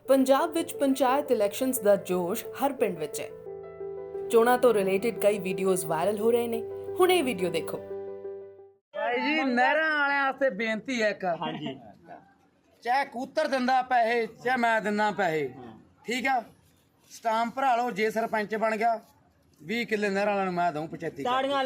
ਪੰਜਾਬ ਵਿੱਚ ਪੰਚਾਇਤ ਇਲੈਕਸ਼ਨਸ ਦਾ ਜੋਸ਼ ਹਰ ਪਿੰਡ ਵਿੱਚ ਹੈ। ਚੋਣਾਂ ਤੋਂ ਰਿਲੇਟਡ ਕਈ ਵੀਡੀਓਜ਼ ਵਾਇਰਲ ਹੋ ਰਹੇ ਨੇ। ਹੁਣ ਇਹ ਵੀਡੀਓ ਦੇਖੋ। ਭਾਈ ਜੀ ਨਹਿਰਾਂ ਵਾਲਿਆਂ ਵਾਸਤੇ ਬੇਨਤੀ ਹੈ ਇੱਕ ਹਾਂਜੀ ਚਾਹੇ ਕੂਤਰ ਦਿੰਦਾ ਪੈਸੇ ਚਾਹੇ ਮੈਂ ਦਿੰਦਾ ਪੈਸੇ ਠੀਕ ਆ ਸਟਾਂਪ ਭਰਾ ਲਓ। ਜੇ ਸਰਪੰਚ ਬਣ ਗਿਆ 20 ਕਿੱਲੇ ਨਹਿਰਾਂ ਵਾਲਿਆਂ ਨੂੰ ਮੈਂ ਦਊਂ 75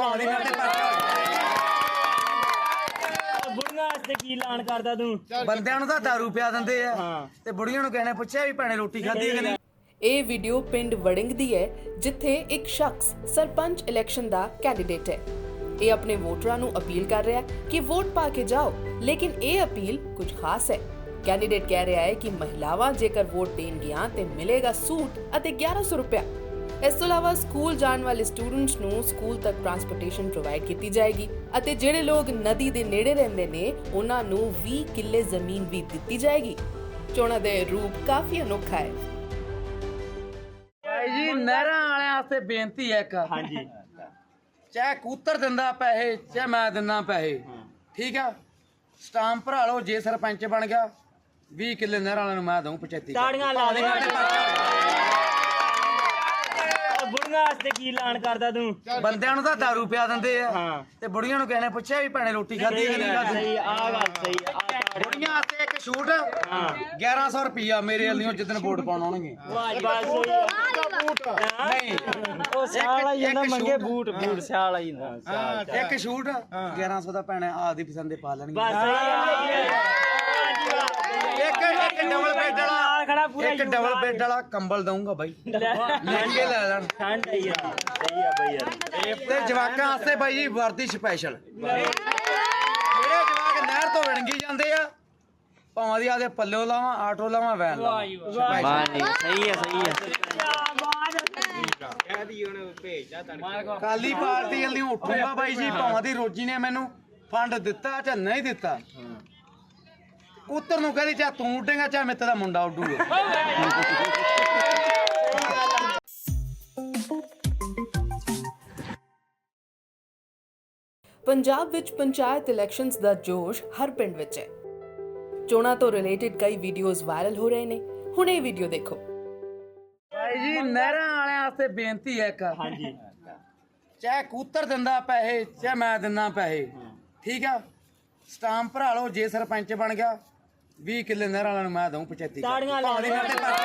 ਬੁੜੀਆਂ ਵਾਸਤੇ ਕੀ ਐਲਾਨ ਕਰਦਾ ਤੂੰ? ਬੰਦਿਆਂ ਨੂੰ ਤਾਂ ਦਾਰੂ ਪਿਆ ਦਿੰਦੇ ਆ ਤੇ ਬੁੜੀਆਂ ਨੂੰ ਕਹਿਣੇ ਪੁੱਛਿਆ ਵੀ ਭੈਣੇ ਰੋਟੀ ਖਾਧੀ ਕਿ ਨਹੀਂ। ਇਹ ਵੀਡੀਓ ਪਿੰਡ ਵੜਿੰਗ ਦੀ ਹੈ ਜਿੱਥੇ ਇੱਕ ਸ਼ਖਸ ਸਰਪੰਚ ਇਲੈਕਸ਼ਨ ਦਾ ਕੈਂਡੀਡੇਟ ਹੈ। ਇਹ ਆਪਣੇ ਵੋਟਰਾਂ ਨੂੰ ਅਪੀਲ ਕਰ ਰਿਹਾ ਹੈ ਕਿ ਵੋਟ ਪਾ ਕੇ ਜਾਓ, ਲੇਕਿਨ ਇਹ ਅਪੀਲ ਕੁਝ ਖਾਸ ਹੈ। ਕੈਂਡੀਡੇਟ ਕਹਿ ਰਿਹਾ ਹੈ ਕਿ ਮਹਿਲਾਵਾਂ ਜੇਕਰ ਵੋਟ ਦੇਣਗੀਆਂ ਤੇ ਮਿਲੇਗਾ ਸੂਟ ਅਤੇ 1100 ਰੁਪਇਆ। ਇਸ ਤੋਂ ਇਲਾਵਾ ਸਕੂਲ ਜਾਣ ਵਾਲੇ ਸਟੂਡੈਂਟਸ ਨੂੰ ਸਕੂਲ ਤੱਕ ਟਰਾਂਸਪੋਰਟੇਸ਼ਨ ਪ੍ਰੋਵਾਈਡ ਕੀਤੀ ਜਾਏਗੀ ਅਤੇ ਜਿਹੜੇ ਲੋਕ ਨਦੀ ਦੇ ਨੇੜੇ ਰਹਿੰਦੇ ਨੇ ਉਹਨਾਂ ਨੂੰ 20 ਕਿੱਲੇ ਜ਼ਮੀਨ ਵੀ ਦਿੱਤੀ ਜਾਏਗੀ। ਚੋਣਾਂ ਦੇ ਰੂਪ ਕਾਫੀ ਅਨੋਖਾ ਹੈ। ਭਾਈ ਜੀ ਨਹਿਰਾਂ ਵਾਲਿਆਂ ਵਾਸਤੇ ਬੇਨਤੀ ਹੈ ਇੱਕ ਹਾਂਜੀ ਚਾਹੇ ਕੂਤਰ ਦਿੰਦਾ ਪੈਸੇ ਚਾਹੇ ਮੈਂ ਦਿੰਦਾ ਪੈਸੇ ਠੀਕ ਆ ਸਟਾਂਪ ਭਰਾ ਲਓ। ਜੇ ਸਰਪੰਚ ਬਣ ਗਿਆ 20 ਕਿੱਲੇ ਨਹਿਰਾਂ ਵਾਲਿਆਂ ਨੂੰ ਮੈਂ ਦਊਂ 75 ਤਾੜੀਆਂ ਲਾ ਦੇ। ਬੁੜੀਆਂ ਵਾਸਤੇ ਕੀ ਐਲਾਨ ਕਰਦਾ ਤੂੰ? ਬੰਦਿਆਂ ਨੂੰ ਤਾਂ ਦਾਰੂ ਪਿਆ ਦਿੰਦੇ ਆ ਤੇ ਬੁੜੀਆਂ ਨੂੰ ਕਹਿਣੇ ਪੁੱਛਿਆ ਵੀ ਭੈਣੇ ਰੋਟੀ ਖਾਧੀ ਕਿ ਨਹੀਂ ਖਾਧੀ। ਸਹੀ ਆ ਗੱਲ ਸਹੀ ਆ। ਬੁੜੀਆਂ ਵਾਸਤੇ ਇੱਕ ਛੂਟ 1100 ਰੁਪਿਆ ਮੇਰੇ ਵੱਲੋਂ ਜਿੱਦਣ ਵੋਟ ਪਾਉਣ ਆਉਣਗੇ। ਵਾਹ ਬਸ ਸਹੀ ਆ। ਨਹੀਂ ਉਹ ਸਿਆਲ ਆਈ ਜਾਂਦਾ ਮੰਗੇ ਬੂਟ ਸਿਆਲ ਆਈ ਜਾਂਦਾ ਇੱਕ ਛੂਟ 1100 ਦਾ ਭੈਣੇ ਆਪਦੀ ਪਸੰਦ ਦੇ ਪਾ ਲੈਣਗੇ। ਬਸ ਸਹੀ ਆ। ਇੱਕ ਡਬਲ ਬੈੱਡ ਵਾਲਾ ਇੱਕ ਡਬਲ ਬੈੱਡ ਵਾਲਾ ਕੰਬਲ ਦਊਂਗਾ ਬਾਈ ਮਹਿੰਗੇ ਲੈ ਲੈਣ। ਠੰਡ ਆਈ ਆ ਸਹੀ ਆ ਬਈ ਯਾਰ। ਤੇ ਜਵਾਕਾਂ ਵਾਸਤੇ ਬਾਈ ਜੀ ਵਰਦੀ ਸਪੈਸ਼ਲ ਜਿਹੜੇ ਜਵਾਕ ਨਹਿਰ ਤੋਂ ਵਿਣਗੀ ਜਾਂਦੇ ਆ ਭਾਵੇਂ ਦੀ ਆਦੇ ਪੱਲਿਓ ਲਾਵਾਂ ਆਟੋ ਲਾਵਾਂ ਵੈਨ ਲਾਵਾਂ ਸਹੀ ਆ ਸਹੀ ਆ। ਕਾਲੀ ਪਾਰਟੀ ਵੱਲੋਂ ਉੱਠੂਗਾ ਬਾਈ ਜੀ ਭਾਵੇਂ ਦੀ ਰੋਜੀ ਨੇ ਮੈਨੂੰ ਫੰਡ ਦਿੱਤਾ ਜਾਂ ਨਹੀਂ ਦਿੱਤਾ। ਕੂਤਰ ਨੂੰ ਕਹਿੰਦੀ ਚਾਹ ਤੂੰ ਉੱਡੇਗਾ ਚਾਹ ਮੇਰੇ ਦਾ ਮੁੰਡਾ ਉੱਡੂਗਾ। ਪੰਜਾਬ ਵਿੱਚ ਪੰਚਾਇਤ ਇਲੈਕਸ਼ਨਸ ਦਾ ਜੋਸ਼ ਹਰ ਪਿੰਡ ਵਿੱਚ ਹੈ। ਚੋਣਾਂ ਤੋਂ ਰਿਲੇਟਡ ਕਈ ਵੀਡੀਓਜ਼ ਵਾਇਰਲ ਹੋ ਰਹੇ ਨੇ। ਹੁਣ ਇਹ ਵੀਡੀਓ ਦੇਖੋ। ਭਾਈ ਜੀ ਨਹਿਰਾਂ ਵਾਲਿਆਂ ਵਾਸਤੇ ਬੇਨਤੀ ਹੈ ਇੱਕ ਹਾਂਜੀ ਚਾਹੇ ਕੂਤਰ ਦਿੰਦਾ ਪੈਸੇ ਚਾਹੇ ਮੈਂ ਦਿੰਦਾ ਪੈਸੇ ਠੀਕ ਆ ਸਟਾਂਪ ਭਰਾ ਲਓ। ਜੇ ਸਰਪੰਚ ਬਣ ਗਿਆ 20 ਕਿੱਲੇ ਨਹਿਰਾਂ ਵਾਲਿਆਂ ਨੂੰ ਮੈਂ ਦਊਂ 75 ਤਾੜੀਆਂ ਲਾ ਦੇ।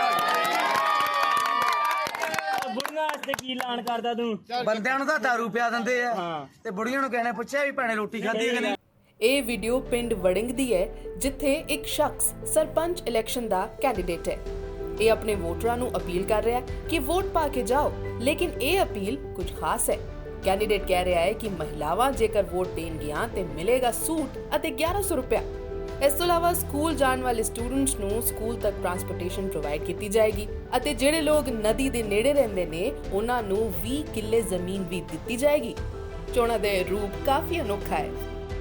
ਬੁੜੀਆਂ ਵਾਸਤੇ ਕੀ ਐਲਾਨ ਕਰਦਾ ਤੂੰ? ਬੰਦਿਆਂ ਨੂੰ ਤਾਂ ਦਾਰੂ ਪਿਆ ਦਿੰਦੇ ਆ ਤੇ ਬੁੜੀਆਂ ਨੂੰ ਕਹਿਣੇ ਪੁੱਛਿਆ ਵੀ ਭੈਣੇ ਰੋਟੀ ਖਾਧੀ ਕਿ ਨਹੀਂ। ਇਹ ਵੀਡੀਓ ਪਿੰਡ ਵੜਿੰਗ ਦੀ ਹੈ ਜਿੱਥੇ ਇੱਕ ਸ਼ਖਸ ਸਰਪੰਚ ਇਲੈਕਸ਼ਨ ਦਾ ਕੈਂਡੀਡੇਟ ਹੈ। ਇਹ ਆਪਣੇ ਵੋਟਰਾਂ ਨੂੰ ਅਪੀਲ ਕਰ ਰਿਹਾ ਹੈ ਕਿ ਵੋਟ ਪਾ ਕੇ ਜਾਓ, ਲੇਕਿਨ ਇਹ ਅਪੀਲ ਕੁਝ ਖਾਸ ਹੈ। ਕੈਂਡੀਡੇਟ ਕਹਿ ਰਿਹਾ ਹੈ ਕਿ ਮਹਿਲਾਵਾਂ ਜੇਕਰ ਵੋਟ ਦੇਣਗੀਆਂ ਤੇ ਮਿਲੇਗਾ ਸੂਟ ਅਤੇ 1100 ਰੁਪਇਆ। ਇਸ ਤੋਂ ਇਲਾਵਾ ਸਕੂਲ ਜਾਣ ਵਾਲੇ ਸਟੂਡੈਂਟਸ ਨੂੰ ਸਕੂਲ ਤੱਕ ਟਰਾਂਸਪੋਰਟੇਸ਼ਨ ਪ੍ਰੋਵਾਈਡ ਕੀਤੀ ਜਾਏਗੀ ਅਤੇ ਜਿਹੜੇ ਲੋਕ ਨਦੀ ਦੇ ਨੇੜੇ ਰਹਿੰਦੇ ਨੇ ਉਹਨਾਂ ਨੂੰ 20 ਕਿੱਲੇ ਜ਼ਮੀਨ ਵੀ ਦਿੱਤੀ ਜਾਏਗੀ। ਚੋਣਾਂ ਦੇ ਰੂਪ ਕਾਫੀ ਅਨੋਖਾ ਹੈ।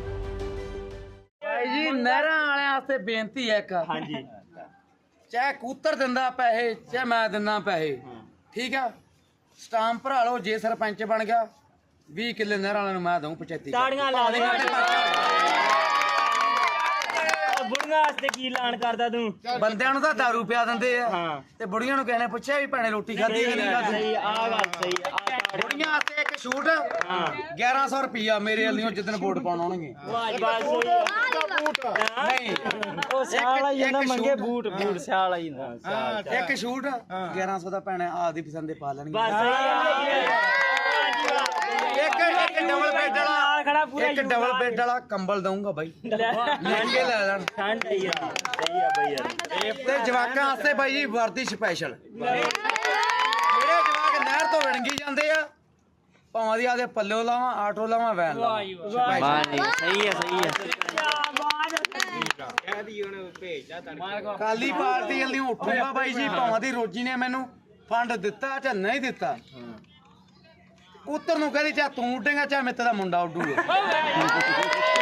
ਭਾਈ ਜੀ ਨਹਿਰਾਂ ਵਾਲਿਆਂ ਵਾਸਤੇ ਬੇਨਤੀ ਹੈ ਇੱਕ ਹਾਂਜੀ ਚਾਹੇ ਕੂਤਰ ਦਿੰਦਾ ਪੈਸੇ ਚਾਹੇ ਮੈਂ ਦਿੰਦਾ ਪੈਸੇ ਠੀਕ ਆ ਸਟਾਂਪ ਭਰਾ ਲਓ। ਜੇ ਸਰਪੰਚ ਬਣ ਗਿਆ 20 ਕਿੱਲੇ ਨਹਿਰਾਂ ਵਾਲਿਆਂ ਨੂੰ ਮੈਂ ਦਊਂ 75 ਤਾੜੀਆਂ ਲਾ ਦੇ। ਬੁੜੀਆਂ ਵਾਸਤੇ ਕੀ ਐਲਾਨ ਕਰਦਾ ਤੂੰ? ਬੰਦਿਆਂ ਨੂੰ ਤਾਂ ਦਾਰੂ ਪਿਆ ਦਿੰਦੇ ਆ ਤੇ ਬੁੜੀਆਂ ਨੂੰ ਕਹਿਣੇ ਪੁੱਛਿਆ ਵੀ ਭੈਣੇ ਰੋਟੀ ਖਾਧੀ ਕਿ ਨਹੀਂ ਖਾਧੀ। ਸਹੀ ਆ ਗੱਲ ਸਹੀ ਆ। ਬੁੜੀਆਂ ਵਾਸਤੇ ਇੱਕ ਛੂਟ 1100 ਰੁਪਿਆ ਮੇਰੇ ਵੱਲੋਂ ਜਿੱਦਣ ਵੋਟ ਪਾਉਣ ਆਉਣਗੇ। ਵਾਹ ਬਸ ਸਹੀ ਆ। ਨਹੀਂ ਉਹ ਸਿਆਲ ਆਈ ਜਾਂਦਾ ਮੰਗੇ ਬੂਟ ਸਿਆਲ ਆਈ ਜਾਂਦਾ ਇੱਕ ਛੂਟ 1100 ਦਾ ਭੈਣੇ ਆਪਦੀ ਪਸੰਦ ਦੇ ਪਾ ਲੈਣਗੇ। ਬਸ ਸਹੀ ਆ। ਇੱਕ ਡਬਲ ਬੈੱਡ ਵਾਲਾ ਇੱਕ ਡਬਲ ਬੈੱਡ ਵਾਲਾ ਕੰਬਲ ਦਊਂਗਾ ਬਾਈ ਮਹਿੰਗੇ ਲੈ ਲੈਣ। ਠੰਡ ਆਈ ਆ ਸਹੀ ਆ ਬਈ ਯਾਰ। ਤੇ ਜਵਾਕਾਂ ਵਾਸਤੇ ਬਾਈ ਜੀ ਵਰਦੀ ਸਪੈਸ਼ਲ ਜਿਹੜੇ ਜਵਾਕ ਨਹਿਰ ਤੋਂ ਵਿਣਗੀ ਜਾਂਦੇ ਆ ਭਾਵੇਂ ਦੀ ਆਦੇ ਪੱਲਿਓ ਲਾਵਾਂ ਆਟੋ ਲਾਵਾਂ ਵੈਨ ਲਾਵਾਂ ਸਹੀ ਆ ਸਹੀ ਆ। ਕਾਲੀ ਪਾਰਟੀ ਵੱਲੋਂ ਉੱਠੂਗਾ ਬਾਈ ਜੀ ਭਾਵੇਂ ਦੀ ਰੋਜੀ ਨੇ ਮੈਨੂੰ ਫੰਡ ਦਿੱਤਾ ਜਾਂ ਨਹੀਂ ਦਿੱਤਾ। ਕੂਤਰ ਨੂੰ ਕਹਿੰਦੀ ਚਾਹ ਤੂੰ ਉੱਡੇਗਾ ਚਾਹ ਮੇਰੇ ਦਾ ਮੁੰਡਾ ਉੱਡੂਗਾ।